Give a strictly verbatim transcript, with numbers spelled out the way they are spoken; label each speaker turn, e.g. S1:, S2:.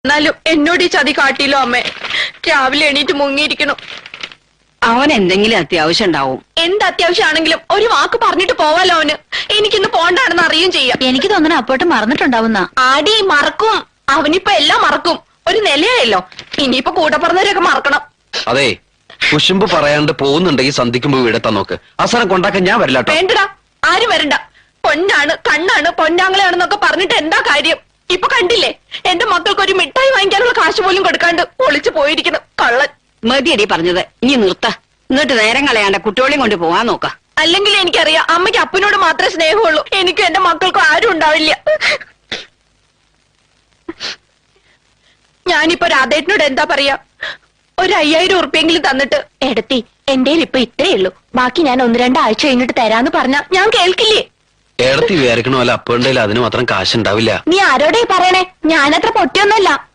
S1: എന്നാലും എന്നോട് ഈ ചതി കാട്ടിയില്ലോ അമ്മേ. രാവിലെ എണീറ്റ് മുങ്ങിയിരിക്കണം.
S2: അവൻ എന്തെങ്കിലും അത്യാവശ്യം ഉണ്ടാവും.
S1: എന്ത് അത്യാവശ്യമാണെങ്കിലും ഒരു വാക്ക് പറഞ്ഞിട്ട് പോവാലോ അവന്. എനിക്കിന്ന് പോണ്ടാണെന്ന് അറിയുകയും ചെയ്യാം.
S3: എനിക്ക് തോന്നണ അപ്പോട്ട് മറന്നിട്ടുണ്ടാവുന്ന.
S1: ആടി മറക്കും. അവനിപ്പോ എല്ലാം മറക്കും. ഒരു നിലയായല്ലോ. ഇനിയിപ്പോ കൂടെ പറഞ്ഞവരൊക്കെ മറക്കണം.
S4: അതെ, കുശുമ്പ് പറയാണ്ട് പോകുന്നുണ്ടെങ്കിൽ സന്ധിക്കുമ്പോ വീടെത്താൻ നോക്ക്. അവസാനം കൊണ്ടാക്കാൻ ഞാൻ വരില്ല.
S1: വേണ്ടടാ, ആരും വരണ്ട. പൊന്നാണ്, കണ്ണാണ്, പൊന്നാങ്ങളാണെന്നൊക്കെ പറഞ്ഞിട്ട് എന്താ കാര്യം? ഇപ്പൊ കണ്ടില്ലേ, എന്റെ മക്കൾക്ക് ഒരു മിഠായി വാങ്ങിക്കാനുള്ള കാശ് പോലും കൊടുക്കാണ്ട് ഒളിച്ചു പോയിരിക്കുന്നു കള്ളൻ.
S2: മതിയടി പറഞ്ഞത്, ഇനി നിർത്ത. എന്നിട്ട് നേരം കളയാണ്ട കുട്ടികളെയും കൊണ്ട് പോവാൻ നോക്ക.
S1: അല്ലെങ്കിൽ എനിക്കറിയാം അമ്മയ്ക്ക് അപ്പനോട് മാത്രമേ സ്നേഹമുള്ളൂ. എനിക്കും എന്റെ മക്കൾക്കും ആരും ഉണ്ടാവില്ല. ഞാനിപ്പോ രാധേട്ടനോട് എന്താ പറയാ? ഒരു അയ്യായിരം ഉറുപ്പിയെങ്കിലും തന്നിട്ട്, എടത്തി എന്റെ ഇപ്പൊ ഇത്രേ ഉള്ളൂ, ബാക്കി ഞാൻ ഒന്ന് രണ്ടാഴ്ച കഴിഞ്ഞിട്ട് തരാന്ന് പറഞ്ഞാ ഞാൻ കേൾക്കില്ലേ?
S4: ഏടത്തി വിചാരിക്കണ പോലെ അപ്പുണ്ടെങ്കിൽ അതിന് മാത്രം കാശുണ്ടാവില്ല.
S1: നീ ആരോടെ പറയണേ? ഞാനത്ര പൊട്ടിയൊന്നുമല്ല.